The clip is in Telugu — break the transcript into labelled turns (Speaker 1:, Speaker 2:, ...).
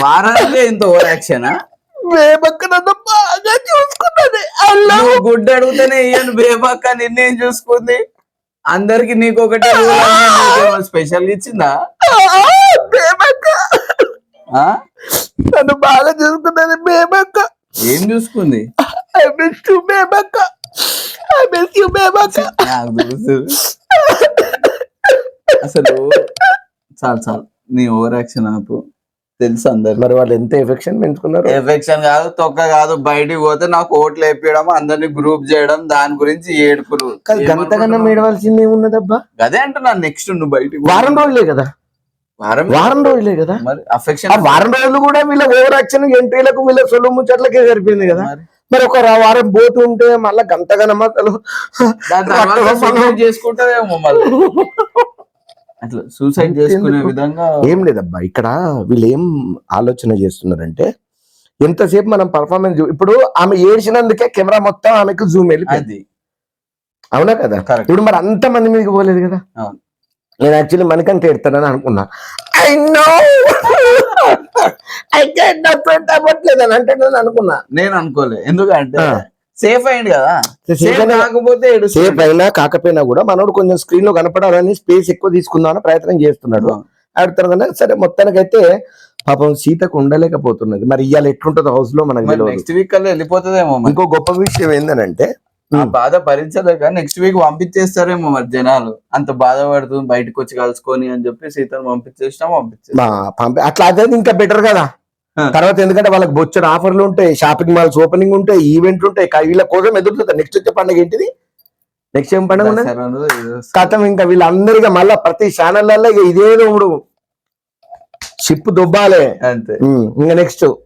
Speaker 1: వారానికి ఇంత ఓవర్ యాక్షన్
Speaker 2: బేబక్క నన్ను బాగా చూసుకున్నది.
Speaker 1: గుడ్డ అడిగితేనే ఇయ్యను బేబక్క నిన్నేం చూసుకుంది. అందరికి నీకు ఒకటే స్పెషల్ ఇచ్చిందా?
Speaker 2: బేబక్క నన్ను బాగా చూసుకున్నది. బేబక్క
Speaker 1: ఏం చూసుకుంది?
Speaker 2: ఐ మిస్ యు బేబక్క, ఐ మిస్ యు బేబక్క.
Speaker 1: అసలు చాలు చాలు నీ ఓవర్ యాక్షన్ ఆపు. తెలుసు అందరు.
Speaker 2: మరి వాళ్ళు ఎంత ఎఫెక్షన్ పెంచుకున్నారు.
Speaker 1: ఎఫెక్షన్ కాదు, తొక్క కాదు. బయటికి పోతే నాకు ఓట్లు వేపించడం, అందరినీ గ్రూప్ చేయడం, దాని గురించి ఏడుపులు.
Speaker 2: గంతకన్నా ఏడవలసింది ఏమున్నదబ్బా?
Speaker 1: అదే అంటున్నాను. నెక్స్ట్ నువ్వు బయటికి
Speaker 2: వారం రోజులే కదా, వారం రోజులే కదా.
Speaker 1: మరి అఫెక్షన్
Speaker 2: వారం రోజులు కూడా వీళ్ళ ఓవర్ యాక్షన్ ఎంట్రీలకు వీళ్ళ సొల్లు ముచ్చట్లకే సరిపోయింది కదా. మరి ఒక వారం పోతుంటే మళ్ళా గంతగనమా
Speaker 1: చేసుకుంటారేమో మళ్ళీ అట్లా సూసైడ్ చేసుకునే విధంగా.
Speaker 2: ఏం లేదబ్బా, ఇక్కడ వీళ్ళు ఏం ఆలోచన చేస్తున్నారంటే ఎంతసేపు మనం పర్ఫార్మెన్స్. ఇప్పుడు ఆమె ఏడ్చినందుకే కెమెరా మొత్తం ఆమెకు జూమ్ వెళ్ళిపోయింది. అవునా కదా? ఇప్పుడు మరి అంత మంది మీదకి పోలేదు కదా. నేను యాక్చువల్లీ మనకంటే ఎడతానని అనుకున్నా. ఐ నో అవ్వట్లేదని అంటే నేను అనుకున్నా.
Speaker 1: నేను అనుకోలే, ఎందుకంటే సేఫ్ అయింది కదా. కాకపోతే
Speaker 2: సేఫ్ అయినా కాకపోయినా కూడా మనోడు కొంచెం స్క్రీన్ లో కనపడాలని స్పేస్ ఎక్కువ తీసుకుందామని ప్రయత్నం చేస్తున్నాడు. ఆడుతారు కదా. సరే మొత్తానికైతే పాపం సీతకు ఉండలేకపోతున్నది. మరి ఇవాళ ఎట్లుంటది హౌస్ లో మనకి
Speaker 1: నెక్స్ట్ వీక్ కల్లా వెళ్ళిపోతుందేమో.
Speaker 2: ఇంకో గొప్ప విషయం ఏంటంటే
Speaker 1: బాధ భరించలేక నెక్స్ట్ వీక్ పంపించేస్తారేమో. మరి జనాలు అంత బాధపడుతుంది బయటకు వచ్చి కలుసుకొని అని చెప్పి సీతను పంపించేస్తాం.
Speaker 2: అట్లా అదే ఇంకా బెటర్ కదా. తర్వాత ఎందుకంటే వాళ్ళకి బొచ్చడు ఆఫర్లు ఉంటాయి, షాపింగ్ మాల్స్ ఓపెనింగ్ ఉంటాయి, ఈవెంట్లు ఉంటాయి. వీళ్ళ కోసం ఎదురుతుంది. నెక్స్ట్ వచ్చే పండుగ ఏంటిది? నెక్స్ట్ ఏం పండుగ ఉన్నది? కథం. ఇంకా వీళ్ళందరికీ మళ్ళా ప్రతి ఛానళ్ళల్లో ఇదేదో షిప్ దుబ్బాలే.
Speaker 1: అంతే.
Speaker 2: ఇంకా నెక్స్ట్